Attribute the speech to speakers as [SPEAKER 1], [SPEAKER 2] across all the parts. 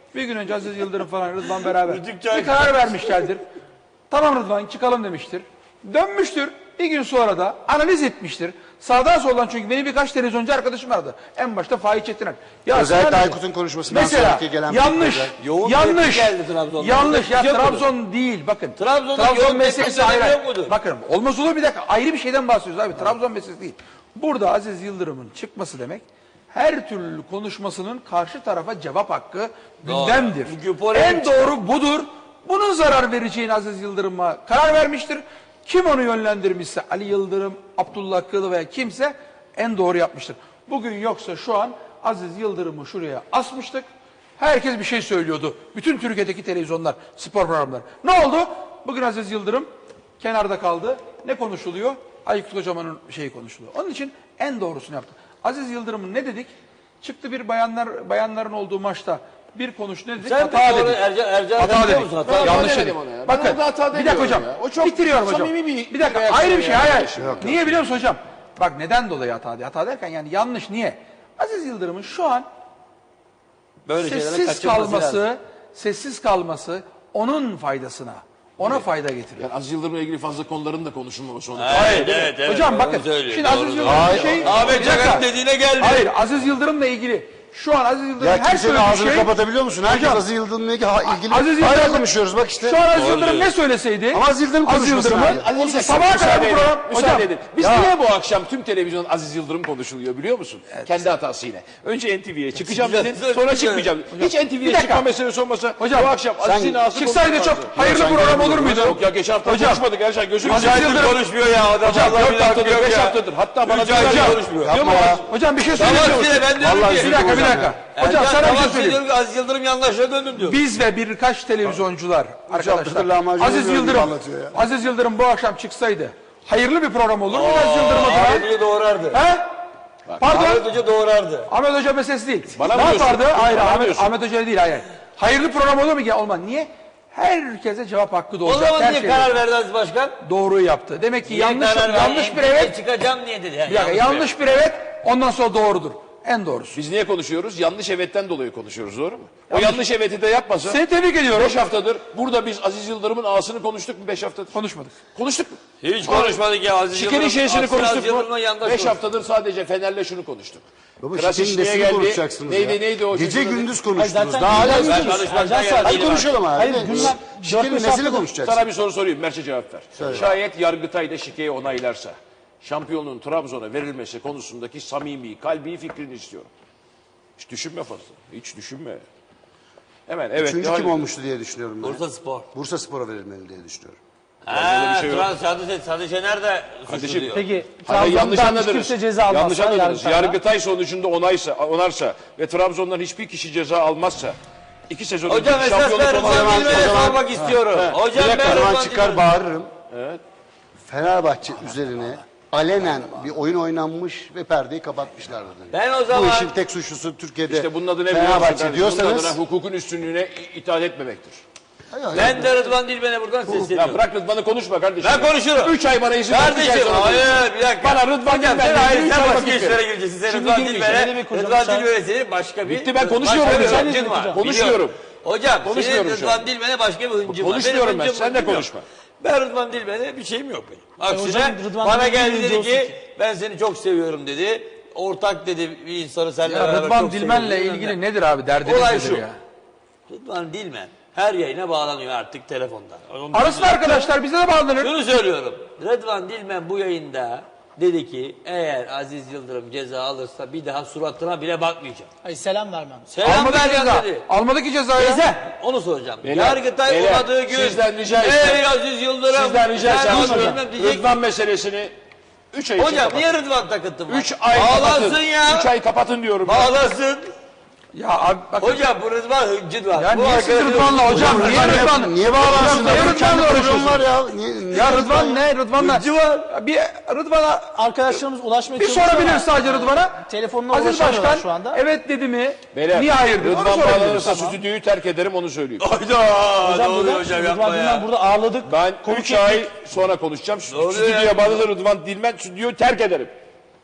[SPEAKER 1] Bir gün önce Aziz Yıldırım falan Rıdvan beraber bir karar vermişlerdir. Tamam Rıdvan çıkalım demiştir. Dönmüştür. Bir gün sonra da analiz etmiştir. Sağdan soldan çünkü benim birkaç televizyoncu arkadaşım vardı. En başta Faik Çetiner. Ya
[SPEAKER 2] özellikle Aykut'un konuşmasından
[SPEAKER 1] mesela
[SPEAKER 2] sonraki gelen
[SPEAKER 1] yanlış ya Trabzon değil bakın.
[SPEAKER 3] Trabzon
[SPEAKER 1] meselesi
[SPEAKER 3] ayrı
[SPEAKER 1] ayrı.
[SPEAKER 3] yok mudur?
[SPEAKER 1] Bakın olmaz olur bir dakika ayrı bir şeyden bahsediyoruz abi. Trabzon meselesi değil. Burada Aziz Yıldırım'ın çıkması demek her türlü konuşmasının karşı tarafa cevap hakkı gündemdir. En doğru budur. Bunun zarar vereceğini Aziz Yıldırım'a karar vermiştir. Kim onu yönlendirmişse Ali Yıldırım, Abdullah Kılı veya kimse en doğru yapmıştır. Bugün yoksa şu an Aziz Yıldırım'ı şuraya asmıştık. Herkes bir şey söylüyordu. Bütün Türkiye'deki televizyonlar, spor programları. Ne oldu? Bugün Aziz Yıldırım kenarda kaldı. Ne konuşuluyor? Aykut Kocaman'ın şeyi konuşuluyor. Onun için en doğrusunu yaptı. Aziz Yıldırım'ın ne dedik? Çıktı bir bayanların olduğu maçta bir konuş ne dedik? Hata dedik. Hata dedik. Yanlış dedik. Bakın bir dakika hocam. O çok bitiriyorum hocam. Bir dakika ayrı bir şey. Hayır. Niye biliyor musun hocam? Bak neden dolayı hata diye. Hata derken yani yanlış niye? Aziz Yıldırım'ın şu an böyle sessiz kalması onun faydasına. Ona fayda getiriyor.
[SPEAKER 4] Yani Aziz Yıldırım'la ilgili fazla konuların da konuşulmaması onu.
[SPEAKER 3] Hayır, evet.
[SPEAKER 1] Hocam bakın. Şimdi Aziz Yıldırım
[SPEAKER 3] Ahmet Çakar dediğine geldi.
[SPEAKER 1] Hayır, Aziz Yıldırım'la ilgili. Şu an Aziz Yıldırım
[SPEAKER 2] Ya
[SPEAKER 1] her
[SPEAKER 2] kimsenin ağzını
[SPEAKER 1] şey
[SPEAKER 2] kapatabiliyor musun? Herkes
[SPEAKER 1] hocam,
[SPEAKER 2] Aziz Yıldırım'la ilgili
[SPEAKER 1] Aziz
[SPEAKER 2] hala
[SPEAKER 1] Yıldırım
[SPEAKER 2] konuşuyoruz bak işte.
[SPEAKER 1] Şu an Aziz Yıldırım ne söyleseydi?
[SPEAKER 2] Ama Aziz Yıldırım konuşmasın abi.
[SPEAKER 1] Sabaha kadar bu program.
[SPEAKER 4] Müsaade edin. Biz niye bu akşam tüm televizyon Aziz Yıldırım konuşuluyor biliyor musun? Evet. Kendi hatası yine. Önce NTV'ye çıkacağım dedin, sonra çıkmayacağım. Hiç NTV'ye çıkma meselesi olmasa
[SPEAKER 1] hocam,
[SPEAKER 4] bu akşam Aziz'in ağzı
[SPEAKER 1] çıksaydı çok hayırlı program olur muydu?
[SPEAKER 4] Yok ya geçen hafta konuşmadık her şey. Gözünü
[SPEAKER 3] Aziz Yıldırım konuşmuyor ya.
[SPEAKER 4] Hocam 4 haftadır 5 haftadır. Hatta bana
[SPEAKER 3] konuşmuyor.
[SPEAKER 1] Hocam bir şey söyleyeyim.
[SPEAKER 3] Bir
[SPEAKER 1] dakika. Hocam sana bir şey söyleyeyim.
[SPEAKER 3] Aziz Yıldırım yanlışa döndüm diyor.
[SPEAKER 1] Biz ve birkaç televizyoncular arkadaşlar. Aziz Yıldırım bu akşam çıksaydı hayırlı bir program olur mu Aziz Yıldırım adına?
[SPEAKER 3] Ahmet Hoca doğrardı.
[SPEAKER 1] He? Pardon.
[SPEAKER 3] Ahmet Hoca doğrardı.
[SPEAKER 1] Ahmet Hoca meselesi değil.
[SPEAKER 4] Bana
[SPEAKER 1] ne yapardı? Hayır
[SPEAKER 4] Ahmet
[SPEAKER 1] Hoca değil hayır. Hayırlı program olur mu? Olmaz. Niye? Herkese cevap hakkı doğacak.
[SPEAKER 3] O zaman niye karar verdi Aziz Başkan?
[SPEAKER 1] Doğruyu yaptı. Demek ki yanlış bir evet.
[SPEAKER 3] Çıkacağım niye dedi.
[SPEAKER 1] Bir dakika yanlış bir evet ondan sonra doğrudur. En doğrusu.
[SPEAKER 4] Biz niye konuşuyoruz? Yanlış evetten dolayı konuşuyoruz doğru mu? O yanlış eveti de yapmasa.
[SPEAKER 1] Seni tebrik ediyorum.
[SPEAKER 4] 5 haftadır burada biz Aziz Yıldırım'ın ağasını konuştuk mu 5 haftadır?
[SPEAKER 1] Konuşmadık.
[SPEAKER 4] Konuştuk mu?
[SPEAKER 3] Hiç konuşmadık ya Aziz Yıldırım.
[SPEAKER 4] Şikerin şeysini konuştuk mu? 5
[SPEAKER 3] 5
[SPEAKER 4] haftadır sadece Fener'le şunu konuştuk.
[SPEAKER 2] Baba
[SPEAKER 4] Krasiç
[SPEAKER 2] şikerin
[SPEAKER 4] niye
[SPEAKER 2] nesini
[SPEAKER 4] geldi?
[SPEAKER 2] konuşacaksınız ya?
[SPEAKER 4] Neydi o?
[SPEAKER 2] Gece gündüz konuştunuz.
[SPEAKER 5] Zaten
[SPEAKER 2] Daha hala
[SPEAKER 3] Hadi
[SPEAKER 2] konuşalım abi.
[SPEAKER 5] Hayır, gündem
[SPEAKER 2] Şikerin nesini konuşacaksın?
[SPEAKER 4] Sana bir soru sorayım. Merçe cevap ver. Şayet Yargıtay da şikeyi onaylarsa şampiyonluğun Trabzon'a verilmesi konusundaki samimi, kalbi fikrini istiyorum. Hiç düşünme fazla. Hiç düşünme. Hemen evet.
[SPEAKER 2] Üçüncü kim olmuştu diye düşünüyorum ben.
[SPEAKER 3] Bursa Spor.
[SPEAKER 2] Bursa Spor'a verilmeli diye düşünüyorum.
[SPEAKER 3] Sadı Şener de suçlu diyor.
[SPEAKER 5] Peki
[SPEAKER 4] Yanlış anladınız.
[SPEAKER 5] kimse ceza almazsa
[SPEAKER 4] Yanlış anladınız.
[SPEAKER 5] Yargıtay'da.
[SPEAKER 4] Yargıtay sonucunda onarsa ve Trabzon'dan hiçbir kişi ceza almazsa 2 sezon
[SPEAKER 3] Hocam esas ben Rıdvan Dilmen'e sormak istiyorum. Hocam ben
[SPEAKER 2] Rıdvan çıkar bağırırım. Evet. Fenerbahçe üzerine alenen bir oyun oynanmış ve perdeyi kapatmışlardı.
[SPEAKER 3] Ben o zaman...
[SPEAKER 2] Bu işin tek suçlusu Türkiye'de
[SPEAKER 4] İşte bunun adı ne
[SPEAKER 2] Fenerbahçe diyorsanız...
[SPEAKER 4] Bunun adına hukukun üstünlüğüne itaat etmemektir.
[SPEAKER 3] Ben de Rıdvan Dilmen'e buradan sesleniyorum.
[SPEAKER 4] Ya bırak Rıdvan'ı konuşma kardeşim.
[SPEAKER 3] Ben konuşurum.
[SPEAKER 4] 3 ay bana izin ver.
[SPEAKER 3] Kardeşim hayır bir dakika.
[SPEAKER 4] Bana Rıdvan
[SPEAKER 3] Hocam
[SPEAKER 4] Dilmen'le
[SPEAKER 3] sen
[SPEAKER 4] ilgili 3 ay
[SPEAKER 3] başka
[SPEAKER 4] vakit
[SPEAKER 3] işlere
[SPEAKER 4] ver.
[SPEAKER 3] gireceksin. Sen
[SPEAKER 4] Şimdi
[SPEAKER 3] Rıdvan
[SPEAKER 4] girmeyeceğim.
[SPEAKER 3] Dilmen'e senin başka bir...
[SPEAKER 4] Bitti ben konuşuyorum.
[SPEAKER 3] Başka bir hıncın var.
[SPEAKER 4] Konuşuyorum.
[SPEAKER 3] Hocam senin
[SPEAKER 4] Konuşmuyorum şu
[SPEAKER 3] Rıdvan Dilmen'e başka bir hıncın var.
[SPEAKER 4] Konuşmuyorum ben. Sen de konuşma.
[SPEAKER 3] Ben Rıdvan Dilmen'e bir şeyim yok benim. Aksine
[SPEAKER 5] hocam, Rıdvan
[SPEAKER 3] bana
[SPEAKER 5] Dilmen'in
[SPEAKER 3] geldi dedi
[SPEAKER 5] olsun
[SPEAKER 3] ki ben seni çok seviyorum dedi. Ortak dedi bir insanı seninle
[SPEAKER 1] Ya
[SPEAKER 3] beraber
[SPEAKER 1] Rıdvan
[SPEAKER 3] çok
[SPEAKER 1] Dilmen'le
[SPEAKER 3] seviyorum.
[SPEAKER 1] ilgili nedir abi derdiniz
[SPEAKER 3] Olay
[SPEAKER 1] nedir
[SPEAKER 3] şu.
[SPEAKER 1] ya?
[SPEAKER 3] Rıdvan Dilmen her yayına bağlanıyor artık telefondan.
[SPEAKER 1] Arasın arkadaşlar bize de bağlanır.
[SPEAKER 3] Şunu söylüyorum. Rıdvan Dilmen bu yayında dedi ki eğer Aziz Yıldırım ceza alırsa bir daha suratına bile bakmayacağım.
[SPEAKER 5] Hayır, selam vermem.
[SPEAKER 3] Selam
[SPEAKER 1] Almadı ki
[SPEAKER 3] vereceğim
[SPEAKER 1] ceza.
[SPEAKER 3] dedi.
[SPEAKER 1] Almadı ki cezayı.
[SPEAKER 3] Onu soracağım.
[SPEAKER 4] Beyler,
[SPEAKER 3] Yargıtay
[SPEAKER 4] beyler,
[SPEAKER 3] olmadığı gün
[SPEAKER 4] sizden rica
[SPEAKER 3] ey
[SPEAKER 4] etsem-
[SPEAKER 3] Aziz Yıldırım
[SPEAKER 4] Sizden rica
[SPEAKER 3] ben
[SPEAKER 4] etsem
[SPEAKER 3] bilmem diyecek.
[SPEAKER 4] Rıdvan meselesini 3 ay için
[SPEAKER 3] Hocam
[SPEAKER 4] kapatın.
[SPEAKER 3] niye Rıdvan takıntın var?
[SPEAKER 4] 3 ay
[SPEAKER 3] Bağlansın
[SPEAKER 4] kapatın.
[SPEAKER 3] ya.
[SPEAKER 4] 3 ay kapatın diyorum.
[SPEAKER 3] Bağlasın.
[SPEAKER 1] Ya abi bak.
[SPEAKER 3] Hocam bu Rıdvan hıncı var.
[SPEAKER 1] Ya
[SPEAKER 3] bu
[SPEAKER 1] niye siz
[SPEAKER 3] arkadaşın-
[SPEAKER 1] Rıdvan'la hocam? Niye Rıdvan'la?
[SPEAKER 2] Niye bağlansın?
[SPEAKER 1] Niye
[SPEAKER 2] Kendi
[SPEAKER 1] Rıdvan'la
[SPEAKER 2] programı
[SPEAKER 1] uğraşıyorsun?
[SPEAKER 2] var ya.
[SPEAKER 1] Ya Rıdvan ne? Rıdvan'la.
[SPEAKER 3] Hıncı var.
[SPEAKER 1] Bir Rıdvan'a
[SPEAKER 5] Arkadaşlarımız ulaşmaya
[SPEAKER 1] bir
[SPEAKER 5] çalışıyor
[SPEAKER 1] sorabilir
[SPEAKER 5] ama
[SPEAKER 1] sadece Rıdvan'a.
[SPEAKER 5] telefonla
[SPEAKER 1] Aziz
[SPEAKER 5] ulaşamıyorlar
[SPEAKER 1] Başkan
[SPEAKER 5] şu anda.
[SPEAKER 1] evet dedi mi?
[SPEAKER 4] Beyler,
[SPEAKER 1] Niye hayır dedi? Onu
[SPEAKER 4] Rıdvan
[SPEAKER 1] sorabiliriz.
[SPEAKER 4] bağlanırsa stüdyoyu terk ederim onu söyleyeyim.
[SPEAKER 3] Hayda. Ne oluyor hocam yapma
[SPEAKER 5] Rıdvan Dilmen
[SPEAKER 3] ya.
[SPEAKER 5] burada ağırladık.
[SPEAKER 4] Ben 3 ay sonra konuşacağım.
[SPEAKER 3] oluyor
[SPEAKER 4] Stüdyoya
[SPEAKER 3] ya?
[SPEAKER 4] bağlanır Rıdvan Dilmen stüdyoyu terk ederim.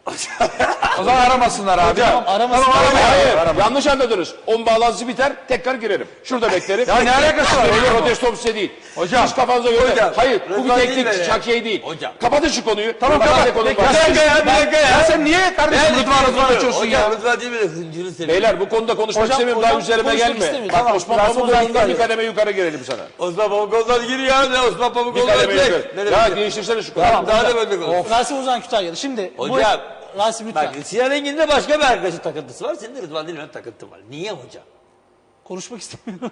[SPEAKER 1] O zaman aramasınlar abi.
[SPEAKER 5] Tamam, aramasınlar.
[SPEAKER 1] Tamam,
[SPEAKER 4] Hayır,
[SPEAKER 1] aramayın.
[SPEAKER 4] yanlış anladınız. 10 bağlantısı biter, tekrar girerim. Şurada beklerim.
[SPEAKER 1] Ya ne alakası var?
[SPEAKER 4] Benim
[SPEAKER 1] Hocam?
[SPEAKER 4] protestom size değil.
[SPEAKER 1] Hocam.
[SPEAKER 4] Siz kafanıza göre.
[SPEAKER 3] Hocam,
[SPEAKER 4] Hayır, bu bir
[SPEAKER 3] Rıdvan değil
[SPEAKER 4] teknik
[SPEAKER 3] mi ya?
[SPEAKER 4] şakiye değil.
[SPEAKER 3] Hocam.
[SPEAKER 4] Kapatın şu konuyu.
[SPEAKER 1] Tamam
[SPEAKER 4] Rıdvan
[SPEAKER 1] kapat.
[SPEAKER 4] de konum
[SPEAKER 1] Bir
[SPEAKER 4] var.
[SPEAKER 1] dakika ya, bir dakika ya. Sen niye kardeşim Rıdvan açıyorsun ya?
[SPEAKER 3] Rıdvan değil mi? Hıncını seviyorum.
[SPEAKER 4] Beyler bu konuda konuşmak
[SPEAKER 5] Hocam,
[SPEAKER 4] istemiyorum. Daha
[SPEAKER 5] hocam
[SPEAKER 4] üzerime
[SPEAKER 5] konuşmak
[SPEAKER 4] gelme.
[SPEAKER 5] istemiyor.
[SPEAKER 4] Bak
[SPEAKER 5] Tamam,
[SPEAKER 4] Osman
[SPEAKER 5] Rasim
[SPEAKER 4] Pamukoğlu'ndan
[SPEAKER 5] Ozan
[SPEAKER 4] bir kademe yukarı gelelim sana.
[SPEAKER 3] Osman Pamukoğlu'dan gir ya. Ne Osman
[SPEAKER 4] Bir
[SPEAKER 3] Pamukoğlu'dan
[SPEAKER 4] kademe
[SPEAKER 3] direkt.
[SPEAKER 4] yukarı.
[SPEAKER 3] Ne
[SPEAKER 4] Ya
[SPEAKER 3] demek?
[SPEAKER 4] değiştirsene şu konuyu.
[SPEAKER 3] Tamam, daha da böyle konuş.
[SPEAKER 5] Rasim Ozan Kütahyalı. Şimdi
[SPEAKER 3] Hocam.
[SPEAKER 5] Rasim lütfen.
[SPEAKER 3] Bak Sinan Engin'in de başka bir arkadaşın takıntısı var. Senin de Rıdvan Dilmen'in takıntı var. Niye hocam?
[SPEAKER 5] Konuşmak istemiyorum.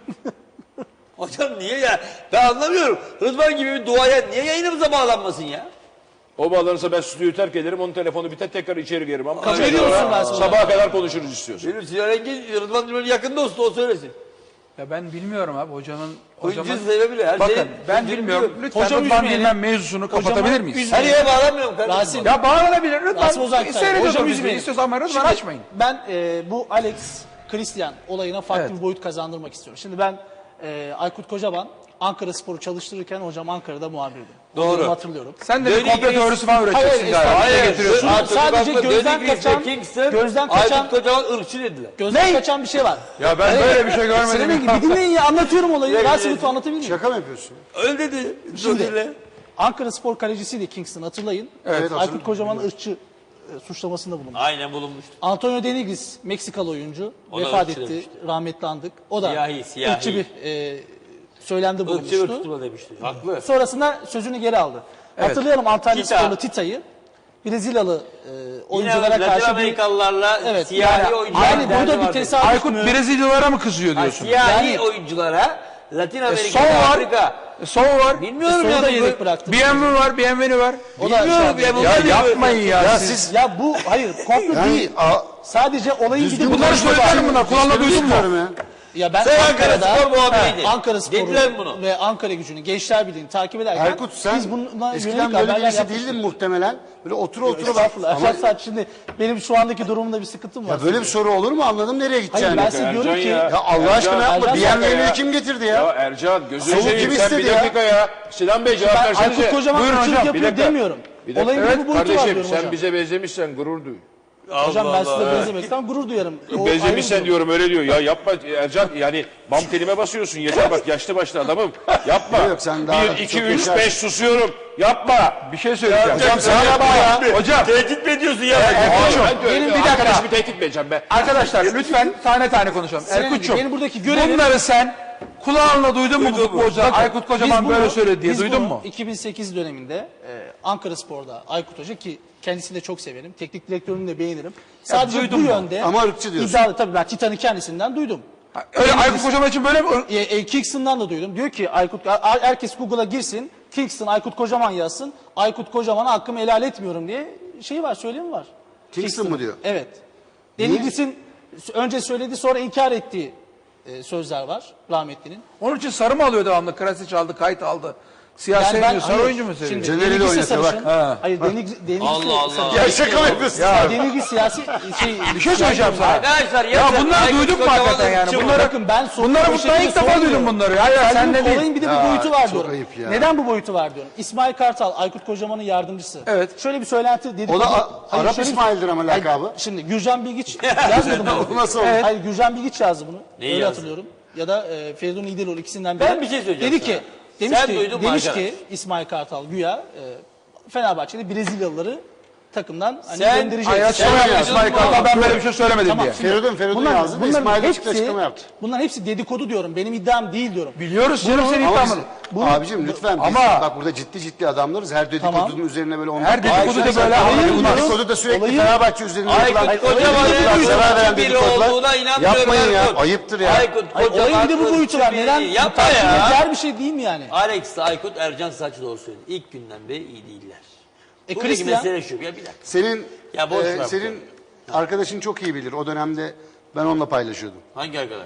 [SPEAKER 3] Hocam niye ya? Ben anlamıyorum. Rıdvan gibi bir duayen niye yayınımıza bağlanmasın ya?
[SPEAKER 4] O bağlanırsa ben stüdyoyu terk ederim. Onun telefonu biter tekrar içeri girerim. Ama
[SPEAKER 5] Kabul ediyor musun Rasim Ozan?
[SPEAKER 4] sabaha kadar konuşuruz istiyorsun.
[SPEAKER 3] Benim Sinan Engin Rıdvan Dilmen'in yakın dostu, o söylesin.
[SPEAKER 1] Ya ben bilmiyorum abi hocamın...
[SPEAKER 3] Hıncı sevebilir. Her
[SPEAKER 1] Bakın
[SPEAKER 3] şeyi
[SPEAKER 1] ben
[SPEAKER 3] hıncını
[SPEAKER 1] bilmiyorum.
[SPEAKER 3] biliyor.
[SPEAKER 1] Lütfen
[SPEAKER 5] Hocam
[SPEAKER 1] Rıdvan
[SPEAKER 5] üzmeyelim.
[SPEAKER 1] Dilmen mevzusunu kapatabilir miyiz?
[SPEAKER 5] üzmeyelim.
[SPEAKER 3] Her yere bağlanmıyorum kardeşim.
[SPEAKER 5] Rasim.
[SPEAKER 1] Ya bağlanabilir. Lütfen
[SPEAKER 5] Rasim Ozan Kütahyalı.
[SPEAKER 1] seyrediyoruz
[SPEAKER 5] Hocam
[SPEAKER 1] biz.
[SPEAKER 5] üzmeyin.
[SPEAKER 1] İstiyorsan ama Rıdvan
[SPEAKER 5] Şimdi
[SPEAKER 1] açmayın.
[SPEAKER 5] Ben bu Alex Christian olayına farklı
[SPEAKER 1] Evet.
[SPEAKER 5] bir boyut kazandırmak istiyorum. Şimdi ben Aykut Kocaman Ankara Spor'u çalıştırırken hocam Ankara'da muhabirdi.
[SPEAKER 3] Doğru.
[SPEAKER 5] Onu hatırlıyorum.
[SPEAKER 1] Sen de bir
[SPEAKER 3] Dönük
[SPEAKER 1] komplo
[SPEAKER 3] reis-
[SPEAKER 1] teorisi falan
[SPEAKER 5] Hayır,
[SPEAKER 1] üreteceksin galiba.
[SPEAKER 5] hayır,
[SPEAKER 1] Bize getiriyorsun.
[SPEAKER 5] Sadece gözden kaçan- gözden kaçan-
[SPEAKER 3] Aykut Kocaman ırkçı dediler.
[SPEAKER 5] Gözden kaçan bir şey var.
[SPEAKER 1] Ya ben böyle bir şey
[SPEAKER 5] Sinan
[SPEAKER 1] görmedim.
[SPEAKER 5] Engin bir dinleyin ya, anlatıyorum olayı.
[SPEAKER 3] Evet,
[SPEAKER 5] Rasim
[SPEAKER 3] evet.
[SPEAKER 5] lütfen anlatabilir miyim?
[SPEAKER 2] Şaka mı yapıyorsun?
[SPEAKER 3] Öyle dedi.
[SPEAKER 5] Şimdi
[SPEAKER 3] Şimdi.
[SPEAKER 5] Ankara Spor kalecisiydi Kingston, hatırlayın.
[SPEAKER 2] Evet,
[SPEAKER 5] Aykut Kocaman ırkçı suçlamasında bulundu.
[SPEAKER 3] Aynen bulunmuştu.
[SPEAKER 5] Antonio Denigris, Meksikalı oyuncu,
[SPEAKER 3] O da
[SPEAKER 5] vefat
[SPEAKER 3] ırkçı
[SPEAKER 5] etti.
[SPEAKER 3] demişti.
[SPEAKER 5] Rahmetli andık. O da
[SPEAKER 3] Siyahi.
[SPEAKER 5] ırkçı bir söylemde
[SPEAKER 3] Irkçı bir
[SPEAKER 5] bulunmuştu.
[SPEAKER 3] tutma demişti. Haklı.
[SPEAKER 5] Sonrasında sözünü geri aldı. Hatırlayalım Antalya
[SPEAKER 3] Tita.
[SPEAKER 5] Sporlu Tita'yı. Brezilyalı
[SPEAKER 3] Yine
[SPEAKER 5] oyunculara
[SPEAKER 3] Latin
[SPEAKER 5] karşı bir...
[SPEAKER 3] Amerikalılarla
[SPEAKER 5] Evet,
[SPEAKER 3] siyahi oyuncular.
[SPEAKER 5] yani burada bir tesadüf
[SPEAKER 1] Aykut
[SPEAKER 5] mü?
[SPEAKER 1] Brezilyalılara mı kızıyor diyorsun?
[SPEAKER 3] Siyahi
[SPEAKER 5] Yani-
[SPEAKER 3] oyunculara Latin Amerika,
[SPEAKER 1] Son var.
[SPEAKER 3] Afrika.
[SPEAKER 1] Sol var.
[SPEAKER 3] Bilmiyorum
[SPEAKER 5] Sonu
[SPEAKER 3] ya.
[SPEAKER 5] da yedek bıraktı.
[SPEAKER 1] BMW var, BMW var.
[SPEAKER 5] O da
[SPEAKER 3] Bilmiyorum ya.
[SPEAKER 1] Ya
[SPEAKER 3] bunlar
[SPEAKER 1] yapmayın ya.
[SPEAKER 2] Ya
[SPEAKER 1] siz.
[SPEAKER 2] siz
[SPEAKER 5] Ya bu hayır komplo
[SPEAKER 2] yani
[SPEAKER 5] değil. Sadece olayın bir de
[SPEAKER 1] Bunları söyleyelim bunlar. Kulağına duydun mu?
[SPEAKER 2] bilmiyorum ya.
[SPEAKER 5] Ya ben
[SPEAKER 3] Sen Ankara
[SPEAKER 5] Ankara'da
[SPEAKER 3] Spor muhabiriydi.
[SPEAKER 5] Ankara
[SPEAKER 3] Dediler mi
[SPEAKER 5] Spor'u
[SPEAKER 3] bunu?
[SPEAKER 5] ve Ankara Gücü'nü, Gençler Birliği'ni takip ederken
[SPEAKER 2] Erkut sen
[SPEAKER 5] biz bununla
[SPEAKER 2] eskiden
[SPEAKER 5] yönelik
[SPEAKER 2] böyle
[SPEAKER 5] haberler
[SPEAKER 2] birisi
[SPEAKER 5] yapmıştık.
[SPEAKER 2] değildin muhtemelen. Böyle otur bak.
[SPEAKER 5] Estağfurullah.
[SPEAKER 2] Ama
[SPEAKER 5] Erşat şimdi benim şu andaki durumumda bir sıkıntım var.
[SPEAKER 2] ya böyle bir soru olur mu, anladım nereye
[SPEAKER 5] Hayır
[SPEAKER 2] gideceğini.
[SPEAKER 5] ben size diyorum
[SPEAKER 4] Ercan
[SPEAKER 5] ki
[SPEAKER 4] ya.
[SPEAKER 2] Ya Allah aşkına yapma.
[SPEAKER 5] Ercan
[SPEAKER 2] BMW'yi kim getirdi
[SPEAKER 4] Ya
[SPEAKER 2] ya?
[SPEAKER 4] Ercan gözünü
[SPEAKER 2] Soğuk
[SPEAKER 4] seveyim
[SPEAKER 2] kim
[SPEAKER 4] sen bir
[SPEAKER 2] istedi ya?
[SPEAKER 4] dakika ya. Sinan Bey cevap
[SPEAKER 5] ben
[SPEAKER 4] versenize.
[SPEAKER 5] Aykut Kocaman
[SPEAKER 1] Buyurun
[SPEAKER 5] ırkçılık
[SPEAKER 1] hocam,
[SPEAKER 4] bir
[SPEAKER 5] yapıyor
[SPEAKER 4] dakika.
[SPEAKER 5] demiyorum.
[SPEAKER 4] Bir dakika.
[SPEAKER 5] Olayın
[SPEAKER 4] Evet,
[SPEAKER 5] bir bu boyutu var
[SPEAKER 4] kardeşim
[SPEAKER 5] diyorum
[SPEAKER 4] sen
[SPEAKER 5] hocam.
[SPEAKER 4] bize benzemişsen gurur duy.
[SPEAKER 5] Hocam ben size
[SPEAKER 3] Allah.
[SPEAKER 5] benzemekten gurur duyarım. O ayrı bir
[SPEAKER 4] Benzemişsen
[SPEAKER 5] durum.
[SPEAKER 4] diyorum öyle diyor. Ya yapma Ercan yani bam telime basıyorsun. Yeter bak yaşlı başlı adamım. Yapma.
[SPEAKER 2] Yok, sen daha
[SPEAKER 4] 1, 2,
[SPEAKER 2] çok
[SPEAKER 4] 3,
[SPEAKER 2] yaşarsın.
[SPEAKER 4] 5 susuyorum. Yapma.
[SPEAKER 1] Bir şey söyleyeceğim.
[SPEAKER 4] Hocam sen yapma ya.
[SPEAKER 1] Hocam.
[SPEAKER 3] Tehdit mi ediyorsun ya?
[SPEAKER 1] Benim bir dakika.
[SPEAKER 4] Arkadaşımı tehdit mi edeceğim be?
[SPEAKER 1] Arkadaşlar lütfen tane tane konuşalım.
[SPEAKER 5] Sinan Engin,
[SPEAKER 1] Erkut'cum
[SPEAKER 5] benim buradaki görevim-
[SPEAKER 1] bunları sen kulağınla duydun mu bu futbolcular? Aykut Kocaman
[SPEAKER 5] Biz
[SPEAKER 1] böyle
[SPEAKER 5] bunu-
[SPEAKER 1] söyledi diye
[SPEAKER 5] biz
[SPEAKER 1] duydun
[SPEAKER 5] bunu
[SPEAKER 1] mu?
[SPEAKER 5] 2008 döneminde Ankara Spor'da Aykut Hoca, ki kendisini de çok severim. Teknik direktörünü de beğenirim. Sadece
[SPEAKER 1] duydun
[SPEAKER 5] bu
[SPEAKER 1] mu?
[SPEAKER 5] yönde
[SPEAKER 2] Ama ırkçı diyorsun.
[SPEAKER 5] iddialı, tabii ben Titan'ı kendisinden duydum.
[SPEAKER 1] Öyle Aykut Kocaman için böyle mi?
[SPEAKER 5] Kingston'dan da duydum. Diyor ki herkes Google'a girsin. Kingston Aykut Kocaman yazsın. Aykut Kocaman'a hakkımı helal etmiyorum diye şey var, söylemi var.
[SPEAKER 2] Kingston mu diyor?
[SPEAKER 5] Evet. Denigris'in önce söylediği sonra inkar ettiği sözler var rahmetlinin.
[SPEAKER 1] Onun için sarı mı alıyor devamlı? Krasic aldı, kayıt aldı. Siyah sevmiyor, sarı
[SPEAKER 5] hayır,
[SPEAKER 1] oyuncu mu seviyor?
[SPEAKER 5] Şimdi
[SPEAKER 2] Caner'i de
[SPEAKER 5] Denigris'e
[SPEAKER 2] oynatıyor,
[SPEAKER 5] sarışın.
[SPEAKER 2] bak.
[SPEAKER 1] Ha.
[SPEAKER 5] Hayır Denigris
[SPEAKER 3] Allah Allah.
[SPEAKER 2] Ya şaka mı yapıyorsun?
[SPEAKER 1] Ya
[SPEAKER 5] Denigris siyasi
[SPEAKER 1] bir şey söyleyeceğim sana.
[SPEAKER 3] Arkadaşlar
[SPEAKER 1] Ya bunları duyduk mu hakikaten yani? Bunları,
[SPEAKER 5] Bakın ben
[SPEAKER 1] bunları
[SPEAKER 5] bu
[SPEAKER 1] ben ilk defa duydum bunları. Hayır sen de değil.
[SPEAKER 5] Olayın bir de
[SPEAKER 2] Ya,
[SPEAKER 5] bir boyutu var
[SPEAKER 2] çok
[SPEAKER 5] diyorum.
[SPEAKER 2] ayıp ya.
[SPEAKER 5] Neden bu boyutu var diyorum. İsmail Kartal, Aykut Kocaman'ın yardımcısı.
[SPEAKER 1] Evet.
[SPEAKER 5] Şöyle bir söylenti dedik.
[SPEAKER 2] O da Arap İsmail'dir ama lakabı.
[SPEAKER 5] Şimdi Gürcan Bilgiç yazmadı bunu.
[SPEAKER 2] O nasıl oldu?
[SPEAKER 5] Hayır Gürcan Bilgiç yazdı bunu.
[SPEAKER 3] Neyi
[SPEAKER 5] Öyle
[SPEAKER 3] yazdı?
[SPEAKER 5] hatırlıyorum. Ya da Feridun İdiloğlu, ikisinden biri.
[SPEAKER 3] Ben bir şey söyleyeceğim
[SPEAKER 5] Dedi
[SPEAKER 3] sana.
[SPEAKER 5] ki, demiş
[SPEAKER 3] Sen
[SPEAKER 5] ki,
[SPEAKER 3] duydun mu
[SPEAKER 5] demiş
[SPEAKER 3] arkadaş?
[SPEAKER 5] ki İsmail Kartal güya Fenerbahçe'de Brezilyalıları takımdan hani
[SPEAKER 3] Sen-
[SPEAKER 5] gönderecek.
[SPEAKER 1] Hayır açıklama İsmail Kartal ben böyle bir şey söylemedim
[SPEAKER 5] Tamam,
[SPEAKER 1] diye.
[SPEAKER 5] şimdi
[SPEAKER 2] Feridun yazdı da İsmail Açık açıklama yaptı.
[SPEAKER 5] bunların hepsi dedikodu diyorum. Benim iddiam değil diyorum.
[SPEAKER 1] Biliyoruz canım senin
[SPEAKER 2] Ama
[SPEAKER 1] iddianı.
[SPEAKER 2] abicim lütfen biz
[SPEAKER 1] Ama-
[SPEAKER 2] bak burada ciddi adamlarız. Her dedikodunun
[SPEAKER 5] Tamam.
[SPEAKER 2] üzerine böyle
[SPEAKER 1] Her dedikodu da böyle anlatılmaz.
[SPEAKER 2] Dedikodu da sürekli
[SPEAKER 5] Olayı-
[SPEAKER 2] Fenerbahçe üzerine yapılan
[SPEAKER 3] Aykut Kocaman'ın
[SPEAKER 2] zarar veren
[SPEAKER 3] ırkçı biri
[SPEAKER 2] dedikodular.
[SPEAKER 3] olduğuna inanmıyorum.
[SPEAKER 2] Yapmayın ya.
[SPEAKER 3] Aykut.
[SPEAKER 2] Ayıptır ya.
[SPEAKER 3] Aykut
[SPEAKER 5] Hayır,
[SPEAKER 3] Kocaman
[SPEAKER 5] olayın bir de bu boyutu var.
[SPEAKER 3] ırkçı biri.
[SPEAKER 5] Neden? Bu
[SPEAKER 3] Yapma
[SPEAKER 5] tartışmaya
[SPEAKER 3] ya.
[SPEAKER 5] değer bir şey değil mi yani?
[SPEAKER 3] Alex, Aykut, Ercan Saçlıoğlu söyledi. İlk günden beri iyi değiller. Buradaki
[SPEAKER 5] Christian-
[SPEAKER 3] mesele şu. Ya bir dakika.
[SPEAKER 2] Senin
[SPEAKER 3] Ya boş ver bu
[SPEAKER 2] senin arkadaşın çok iyi bilir. O dönemde ben onunla paylaşıyordum.
[SPEAKER 3] Hangi arkadaş?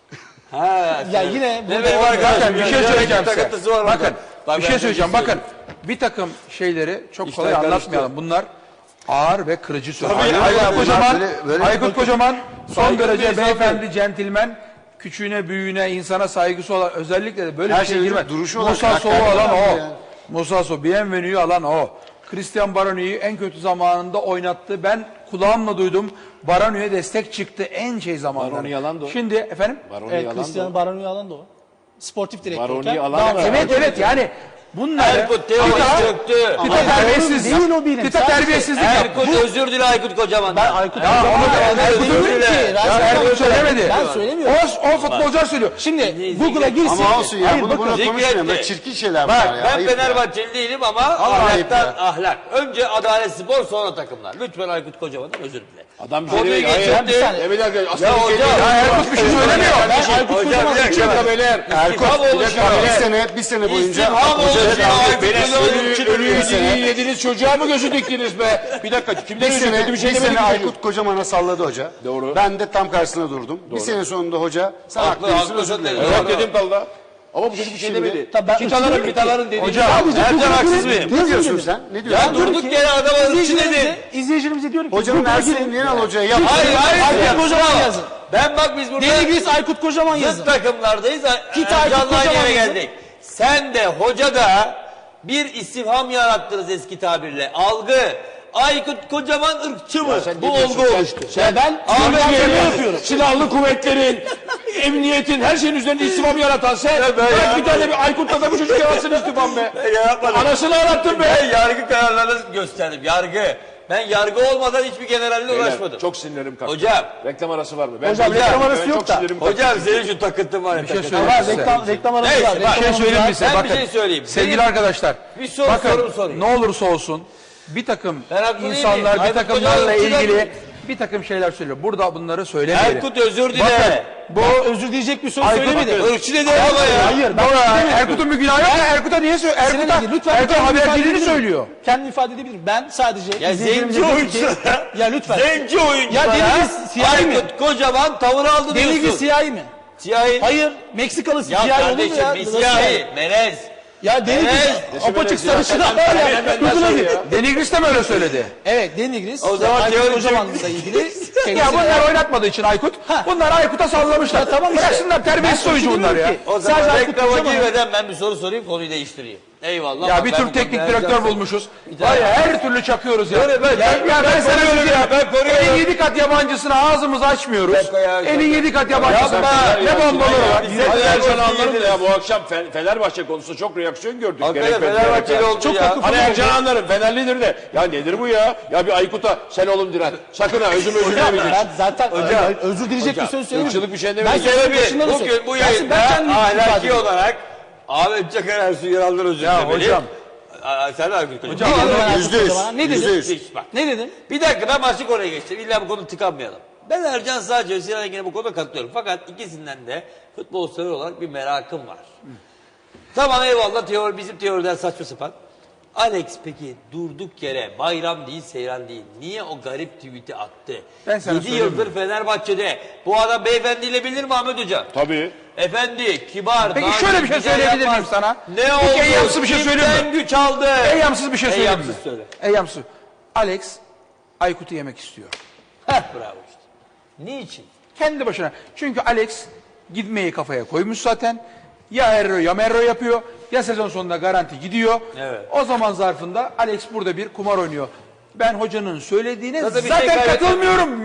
[SPEAKER 3] Ha,
[SPEAKER 5] Ya yine
[SPEAKER 3] ne
[SPEAKER 5] burada
[SPEAKER 3] benim
[SPEAKER 5] olmuyor.
[SPEAKER 3] arkadaşım
[SPEAKER 1] Bakın bir
[SPEAKER 3] ya,
[SPEAKER 1] şey söyleyeceğim
[SPEAKER 3] takıntısı
[SPEAKER 1] size.
[SPEAKER 3] var orada.
[SPEAKER 1] Bakın
[SPEAKER 3] Bak,
[SPEAKER 1] bir
[SPEAKER 3] ben
[SPEAKER 1] şey söyleyeceğim.
[SPEAKER 3] sana
[SPEAKER 1] Bakın bir takım şeyleri çok
[SPEAKER 3] İşler
[SPEAKER 1] kolay
[SPEAKER 3] karıştı.
[SPEAKER 1] anlatmayalım. Bunlar ağır ve kırıcı sözler.
[SPEAKER 2] Tabii,
[SPEAKER 1] Aykut
[SPEAKER 2] aynen.
[SPEAKER 1] Kocaman,
[SPEAKER 2] Böyle-
[SPEAKER 1] Aykut Kocaman son
[SPEAKER 3] Saygılı
[SPEAKER 1] derece
[SPEAKER 3] bir insan
[SPEAKER 1] beyefendi, centilmen, küçüğüne, büyüğüne, insana saygısı olan, özellikle de böyle
[SPEAKER 2] Her
[SPEAKER 1] bir şey
[SPEAKER 2] şeyin
[SPEAKER 1] girmez.
[SPEAKER 2] duruşu olarak
[SPEAKER 1] Musa Sow'u
[SPEAKER 2] karakterli
[SPEAKER 1] alan
[SPEAKER 2] adam
[SPEAKER 1] o.
[SPEAKER 2] yani.
[SPEAKER 1] Musa Sow, Bienvenue'yu alan o. Christian Baroni'yi en kötü zamanında oynattı. Ben kulağımla duydum. Baroni'ye destek çıktı en şey zamanında.
[SPEAKER 4] Baroni yalandı o.
[SPEAKER 1] Şimdi efendim?
[SPEAKER 4] Baroni
[SPEAKER 5] Evet,
[SPEAKER 4] yalandı.
[SPEAKER 5] Cristiano Baroni yalan da o. Sportif direktörken.
[SPEAKER 4] Baroni alan-
[SPEAKER 5] devam ediyor.
[SPEAKER 1] Evet yani bunları
[SPEAKER 3] Erkut Teo'yu çöktü.
[SPEAKER 1] Kıta terbiyesizlik.
[SPEAKER 5] Değil o benim.
[SPEAKER 1] Kıta
[SPEAKER 5] Sadece-
[SPEAKER 1] terbiyesizlik yaptı.
[SPEAKER 3] Erkut özür dile Aykut Kocaman'dan.
[SPEAKER 5] Ben Aykut
[SPEAKER 1] Ya onu da
[SPEAKER 3] Erkut
[SPEAKER 1] Erkut
[SPEAKER 3] özür
[SPEAKER 1] öyle
[SPEAKER 3] dile.
[SPEAKER 1] ki. Ya Erkut söylemedi.
[SPEAKER 5] Ben söylemiyorum.
[SPEAKER 1] O futbolcular söylüyor.
[SPEAKER 5] Şimdi Google'a girsin.
[SPEAKER 2] Ama olsun ya
[SPEAKER 5] Hayır,
[SPEAKER 2] bunu
[SPEAKER 5] bakın.
[SPEAKER 2] buna
[SPEAKER 3] zikretti.
[SPEAKER 2] konuşmayalım. Böyle çirkin şeyler
[SPEAKER 3] Bak
[SPEAKER 2] var ya.
[SPEAKER 3] ben
[SPEAKER 2] Ayıp ya.
[SPEAKER 3] Fenerbahçeli değilim ama
[SPEAKER 2] ayıp
[SPEAKER 3] ahlaktan
[SPEAKER 2] ya.
[SPEAKER 3] ahlak. Önce Adalet Spor sonra takımlar. Lütfen Aykut Kocaman'dan özür dile.
[SPEAKER 4] Adam
[SPEAKER 3] Konuyu
[SPEAKER 4] bir şey
[SPEAKER 3] geçirdi.
[SPEAKER 5] bir saniye.
[SPEAKER 4] Evet arkadaşlar.
[SPEAKER 3] Ya
[SPEAKER 4] Aslında
[SPEAKER 3] hocam.
[SPEAKER 1] Ya Erkut bir şey söylemiyor.
[SPEAKER 5] Ben Aykut
[SPEAKER 3] Hocam,
[SPEAKER 5] Kocaman'ı
[SPEAKER 3] bir dakika.
[SPEAKER 4] Dakika beyler.
[SPEAKER 3] İstifam oluşuyor.
[SPEAKER 2] Bir sene boyunca
[SPEAKER 3] İstifam oluşuyor. Aykut
[SPEAKER 4] Beyler
[SPEAKER 3] Kocaman'ın
[SPEAKER 4] ölüyü
[SPEAKER 3] çıldırıyor.
[SPEAKER 4] yediniz çocuğa mı gözü diktiniz be? Bir dakika kimden
[SPEAKER 2] bir
[SPEAKER 4] özür
[SPEAKER 2] sene,
[SPEAKER 4] kötü bir şey
[SPEAKER 2] bir
[SPEAKER 4] demedik
[SPEAKER 2] sene
[SPEAKER 4] mi?
[SPEAKER 2] Aykut Kocaman'a salladı hoca.
[SPEAKER 4] Doğru.
[SPEAKER 2] Ben de tam karşısına durdum. Bir sene sonunda hoca sen
[SPEAKER 3] Haklı,
[SPEAKER 2] haklısın
[SPEAKER 3] haklı,
[SPEAKER 2] özür dilerim.
[SPEAKER 3] haklı.
[SPEAKER 4] Evet dedim kalda. Ama bu çocuk bir şey
[SPEAKER 2] Şimdi-
[SPEAKER 4] demedi.
[SPEAKER 5] Tabii ben
[SPEAKER 4] Kitaların
[SPEAKER 5] ırkçı
[SPEAKER 4] mitaların dedi.
[SPEAKER 1] Hocam,
[SPEAKER 3] Ercan haksız mıyım?
[SPEAKER 2] Ne diyorsun sen? Ne diyorsun?
[SPEAKER 3] Ya durduk yere adama ırkçı dedin.
[SPEAKER 5] İzleyicilerimize diyorum ki
[SPEAKER 2] Hocanın
[SPEAKER 5] Google'a
[SPEAKER 2] Ersin'in
[SPEAKER 5] girin.
[SPEAKER 2] Yenal hocaya yap.
[SPEAKER 3] Hayır hayır.
[SPEAKER 5] Aykut
[SPEAKER 3] ya,
[SPEAKER 5] Kocaman
[SPEAKER 3] bravo.
[SPEAKER 5] yazın.
[SPEAKER 3] Ben bak biz burada
[SPEAKER 5] Denigris Aykut Kocaman
[SPEAKER 3] zıt
[SPEAKER 5] yazın.
[SPEAKER 3] takımlardayız.
[SPEAKER 5] Git Aykut
[SPEAKER 3] Canlı aynı
[SPEAKER 5] Kocaman
[SPEAKER 3] yere
[SPEAKER 5] yazın.
[SPEAKER 3] geldik. Sen de hoca da bir istifham yarattınız eski tabirle. Algı. Aykut Kocaman ırkçı mı?
[SPEAKER 4] sen
[SPEAKER 3] Bu
[SPEAKER 4] ne diyorsun?
[SPEAKER 3] olgu
[SPEAKER 4] Sen-
[SPEAKER 3] oluştu.
[SPEAKER 5] Ya ben
[SPEAKER 3] Ahmet
[SPEAKER 5] Türkiye'de
[SPEAKER 3] Yemin
[SPEAKER 5] yapıyorum.
[SPEAKER 4] Silahlı kuvvetlerin, emniyetin, her şeyin üzerinde istifam yaratan sen. Bırak bir tane bir Aykut'la da bu çocuk yaratsın istifam be.
[SPEAKER 3] Yapmadım.
[SPEAKER 4] Anasını ağlattın be.
[SPEAKER 3] Ben yargı kararlarını gösterdim. Yargı. Ben yargı olmadan hiçbir generalle uğraşmadım.
[SPEAKER 4] Çok sinirlerim kalktı.
[SPEAKER 3] Hocam.
[SPEAKER 4] Reklam arası var mı? Ben
[SPEAKER 5] Hocam, reklam arası yok
[SPEAKER 4] çok
[SPEAKER 5] da.
[SPEAKER 4] sinirlerim kalktı.
[SPEAKER 3] Hocam senin şu takıntın var ya.
[SPEAKER 1] Bir şey
[SPEAKER 3] takıntın.
[SPEAKER 1] söyleyeyim
[SPEAKER 5] Var,
[SPEAKER 1] size.
[SPEAKER 5] reklam arası
[SPEAKER 3] Neyse,
[SPEAKER 5] var.
[SPEAKER 3] bak,
[SPEAKER 5] reklam
[SPEAKER 1] Bir şey
[SPEAKER 5] arası
[SPEAKER 1] söyleyeyim
[SPEAKER 5] var.
[SPEAKER 1] mi size?
[SPEAKER 3] Ben bir
[SPEAKER 1] Bakın,
[SPEAKER 3] şey söyleyeyim.
[SPEAKER 1] sevgili
[SPEAKER 3] Benim-
[SPEAKER 1] arkadaşlar.
[SPEAKER 3] Bir soru
[SPEAKER 1] bakın,
[SPEAKER 3] sorayım.
[SPEAKER 1] ne olursa olsun bir takım
[SPEAKER 3] Ben haklı değilim.
[SPEAKER 1] insanlar bir
[SPEAKER 3] Aykut
[SPEAKER 1] takımlarla
[SPEAKER 3] Kocaman
[SPEAKER 1] ilgili
[SPEAKER 3] ırkçı
[SPEAKER 1] bir takım şeyler söylüyor. Burada bunları söylemeyelim.
[SPEAKER 3] Erkut özür dile.
[SPEAKER 1] Bakın,
[SPEAKER 5] Bu özür diyecek bir söz
[SPEAKER 1] Aykut
[SPEAKER 5] söylemedi.
[SPEAKER 1] bakın.
[SPEAKER 3] Irkçı dedi ama ya.
[SPEAKER 5] Hayır. Ben
[SPEAKER 1] Doğru, Erkut'un bir günahı yok ya. Erkut'a niye söylüyor? Erkut'a haberciliğini söylüyor.
[SPEAKER 5] Kendimi ifade edebilirim. Ben sadece
[SPEAKER 3] Ya
[SPEAKER 5] izleyicilerimize
[SPEAKER 3] zenci
[SPEAKER 5] diyorum ki-
[SPEAKER 3] oyunculara.
[SPEAKER 5] Ya lütfen.
[SPEAKER 3] Zenci oyunculara.
[SPEAKER 5] Ya Denigris siyahi mi?
[SPEAKER 3] Aykut Kocaman tavır aldı
[SPEAKER 5] Denigris
[SPEAKER 3] diyorsun.
[SPEAKER 5] siyahi mi?
[SPEAKER 3] Siyahi.
[SPEAKER 5] Hayır. Meksikalı
[SPEAKER 3] Ya
[SPEAKER 5] siyahi olur mu
[SPEAKER 3] kardeşim
[SPEAKER 5] ya?
[SPEAKER 3] bir siyahi. Melez.
[SPEAKER 5] Ya Denigris
[SPEAKER 3] Evet.
[SPEAKER 5] apaçık sarışın var ya. Google'a gir.
[SPEAKER 1] Denigris de mi öyle söyledi?
[SPEAKER 5] Evet Denigris.
[SPEAKER 3] O zaman
[SPEAKER 5] Aykut
[SPEAKER 3] teori
[SPEAKER 5] Kocaman'la ilgili.
[SPEAKER 1] Ya
[SPEAKER 5] kendisine-
[SPEAKER 1] bunlar oynatmadığı için Aykut. Bunlar Aykut'a sallamışlar.
[SPEAKER 5] Ya tamam işte.
[SPEAKER 1] Bıraksınlar terbiyesiz
[SPEAKER 5] Ben
[SPEAKER 1] oyuncu
[SPEAKER 5] şunu
[SPEAKER 1] bunlar ya.
[SPEAKER 5] demiyorum ki,
[SPEAKER 3] O zaman
[SPEAKER 5] sadece Aykut
[SPEAKER 3] reklama
[SPEAKER 5] Kocaman-
[SPEAKER 3] girmeden ben bir soru sorayım konuyu değiştireyim. Eyvallah.
[SPEAKER 1] Ya
[SPEAKER 3] bak
[SPEAKER 1] bir
[SPEAKER 3] ben
[SPEAKER 1] tür
[SPEAKER 3] bu
[SPEAKER 1] teknik
[SPEAKER 3] konuda
[SPEAKER 1] direktör
[SPEAKER 3] Ercan-
[SPEAKER 1] bulmuşuz.
[SPEAKER 3] tane-
[SPEAKER 1] Var ya her türlü çakıyoruz ya.
[SPEAKER 3] Öyle ben-
[SPEAKER 1] ya,
[SPEAKER 3] ben-
[SPEAKER 1] ya
[SPEAKER 3] ben
[SPEAKER 1] ben sana
[SPEAKER 3] koruyorum
[SPEAKER 1] söyleyeyim.
[SPEAKER 3] ya, ben koruyorum.
[SPEAKER 1] Elin 7 kat yabancısına ağzımızı açmıyoruz.
[SPEAKER 3] Ya,
[SPEAKER 1] Elin 7 kat yabancısına
[SPEAKER 3] Yapma.
[SPEAKER 1] ne bombaları var.
[SPEAKER 3] Bize
[SPEAKER 4] Hadi Ercan
[SPEAKER 3] Fenerbahçe
[SPEAKER 4] anlarım da
[SPEAKER 3] yediniz.
[SPEAKER 4] ya bu akşam Fenerbahçe konusunda çok reaksiyon gördük.
[SPEAKER 3] Hakikaten
[SPEAKER 4] Gerek
[SPEAKER 3] Fenerbahçeli oldu
[SPEAKER 5] Çok
[SPEAKER 3] ya.
[SPEAKER 5] haklı.
[SPEAKER 4] Hani Ercan anlarım Fenerlidir de. Ya nedir bu ya? Ya bir Aykut'a sen oğlum diren. Sakın ha özür demeyeceksin.
[SPEAKER 5] Ben zaten özür dileyecek bir söz söylemedim.
[SPEAKER 4] Irkçılık bir şey
[SPEAKER 5] Ben
[SPEAKER 4] demedim.
[SPEAKER 5] sözün başında da
[SPEAKER 3] Bugün
[SPEAKER 5] söyledim.
[SPEAKER 3] bu
[SPEAKER 5] Gelsin, ben
[SPEAKER 3] yayında
[SPEAKER 5] kendimi ifade
[SPEAKER 3] ahlaki
[SPEAKER 5] ediyorum.
[SPEAKER 3] olarak Ahmet Çakar Ersun Yanal'dan özür
[SPEAKER 1] Ya
[SPEAKER 3] dilemeli.
[SPEAKER 1] hocam.
[SPEAKER 3] Sen de Aykut Kocaman.
[SPEAKER 1] Hocam,
[SPEAKER 5] Ne dedim ben Aykut
[SPEAKER 2] Yüzde yüz.
[SPEAKER 5] Kocaman'a? Ne dedim?
[SPEAKER 2] Yüzde yüz.
[SPEAKER 3] Hiç bak.
[SPEAKER 5] Ne dedim?
[SPEAKER 3] Bir dakika ben başlık oraya geçtim. İlla bu konu tıkanmayalım. Ben Ercan sadece ve Sinan Engin'e bu konuda katılıyorum. Fakat ikisinden de futbol sever olarak bir merakım var. Tamam eyvallah teori bizim teoriden saçma sapan. Alex peki durduk yere bayram değil seyran değil. Niye o garip tweet'i attı?
[SPEAKER 1] Ben sana
[SPEAKER 3] 7
[SPEAKER 1] söyleyeyim
[SPEAKER 3] yıldır Fenerbahçe'de. Bu adam beyefendiyle bilir mi Ahmet Hocam?
[SPEAKER 4] Tabii.
[SPEAKER 3] Efendi, kibar.
[SPEAKER 1] Peki
[SPEAKER 3] nazik,
[SPEAKER 1] şöyle bir şey
[SPEAKER 3] güzel
[SPEAKER 1] söyleyebilir
[SPEAKER 3] yapmaz.
[SPEAKER 1] miyim sana?
[SPEAKER 3] Ne
[SPEAKER 1] Peki
[SPEAKER 3] oldu?
[SPEAKER 1] eyyamsı bir şey söyleyeyim mi?
[SPEAKER 3] Kimden güç aldı?
[SPEAKER 1] Eyyamsız bir şey söyleyeyim mi?
[SPEAKER 3] Eyyamsız söyle.
[SPEAKER 1] Eyyamsız. Alex Aykut'u yemek istiyor.
[SPEAKER 3] Heh, bravo işte. Niçin?
[SPEAKER 1] Kendi başına. Çünkü Alex gitmeyi kafaya koymuş zaten. Ya Erro ya Merro yapıyor. Ya sezon sonunda garanti gidiyor.
[SPEAKER 3] Evet.
[SPEAKER 1] O zaman zarfında Alex burada bir kumar oynuyor. Ben hocanın söylediğine
[SPEAKER 3] Zaten bir
[SPEAKER 1] zaten
[SPEAKER 3] şey kaybetmedi.
[SPEAKER 1] katılmıyorum.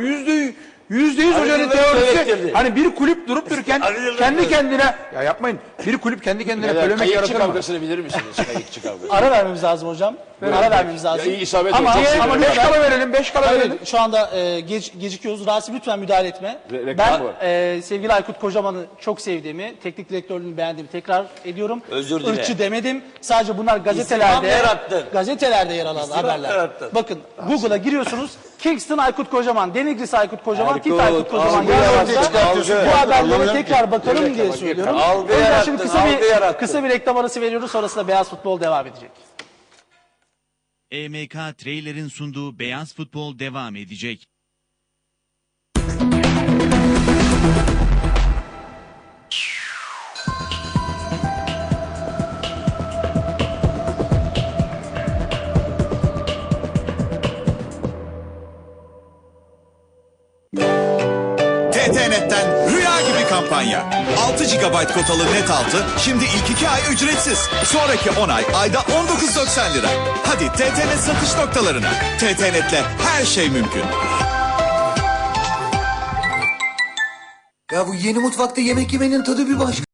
[SPEAKER 1] %100
[SPEAKER 3] Ali
[SPEAKER 1] hocanın
[SPEAKER 3] Yıldırım
[SPEAKER 1] teorisi.
[SPEAKER 3] söylettirdi.
[SPEAKER 1] Hani bir kulüp durup dururken
[SPEAKER 3] Ali Yıldırım
[SPEAKER 1] kendi
[SPEAKER 3] söylettirdi.
[SPEAKER 1] kendine ya yapmayın. Bir kulüp kendi kendine
[SPEAKER 4] Beyler,
[SPEAKER 1] polemik
[SPEAKER 4] kayıkçı
[SPEAKER 1] yaratır mı?
[SPEAKER 4] kavgasını bilir misiniz? Kayıkçı kavgası.
[SPEAKER 5] Ara vermemiz lazım hocam. Ara vermemiz lazım.
[SPEAKER 4] Ya iyi isabet
[SPEAKER 5] Ama-
[SPEAKER 4] oldu. Çok
[SPEAKER 5] ama
[SPEAKER 4] sinirlendim.
[SPEAKER 1] 5 kala verelim, 5 kala verelim.
[SPEAKER 5] Hayır, şu anda gecikiyoruz. Rasim lütfen müdahale etme.
[SPEAKER 4] Reklam
[SPEAKER 5] Ben
[SPEAKER 4] var.
[SPEAKER 5] sevgili Aykut Kocaman'ı çok sevdiğimi, teknik direktörlüğünü beğendiğimi tekrar ediyorum.
[SPEAKER 3] Özür dile.
[SPEAKER 5] Irkçı demedim. Sadece bunlar
[SPEAKER 3] İstifam
[SPEAKER 5] gazetelerde
[SPEAKER 3] yarattın.
[SPEAKER 5] gazetelerde yer alan
[SPEAKER 3] İstifam
[SPEAKER 5] haberler.
[SPEAKER 3] yarattın.
[SPEAKER 5] Bakın Google'a giriyorsunuz. Kingston Aykut Kocaman, Denigris Aykut Kocaman,
[SPEAKER 3] Aykut,
[SPEAKER 5] Tit Aykut Kocaman
[SPEAKER 3] algı
[SPEAKER 5] yazarsa
[SPEAKER 2] yarattın.
[SPEAKER 5] bu haberlere
[SPEAKER 2] Anlamıyorum
[SPEAKER 5] tekrar bakalım diye söylüyorum.
[SPEAKER 3] Algı
[SPEAKER 5] O yüzden
[SPEAKER 3] yarattın,
[SPEAKER 5] şimdi
[SPEAKER 3] algı yarattın.
[SPEAKER 5] kısa bir reklam arası veriyoruz. Sonrasında Beyaz Futbol devam edecek.
[SPEAKER 6] EMK Trailer'in sunduğu Beyaz Futbol devam edecek.
[SPEAKER 7] TTNet'ten rüya gibi kampanya. 6 GB kotalı net altı şimdi ilk 2 ay ücretsiz. Sonraki 10 ay ayda 19.90 lira. Hadi TTNet satış noktalarına. TTNet'le her şey mümkün.
[SPEAKER 8] Ya bu yeni mutfakta yemek yemenin tadı bir başka.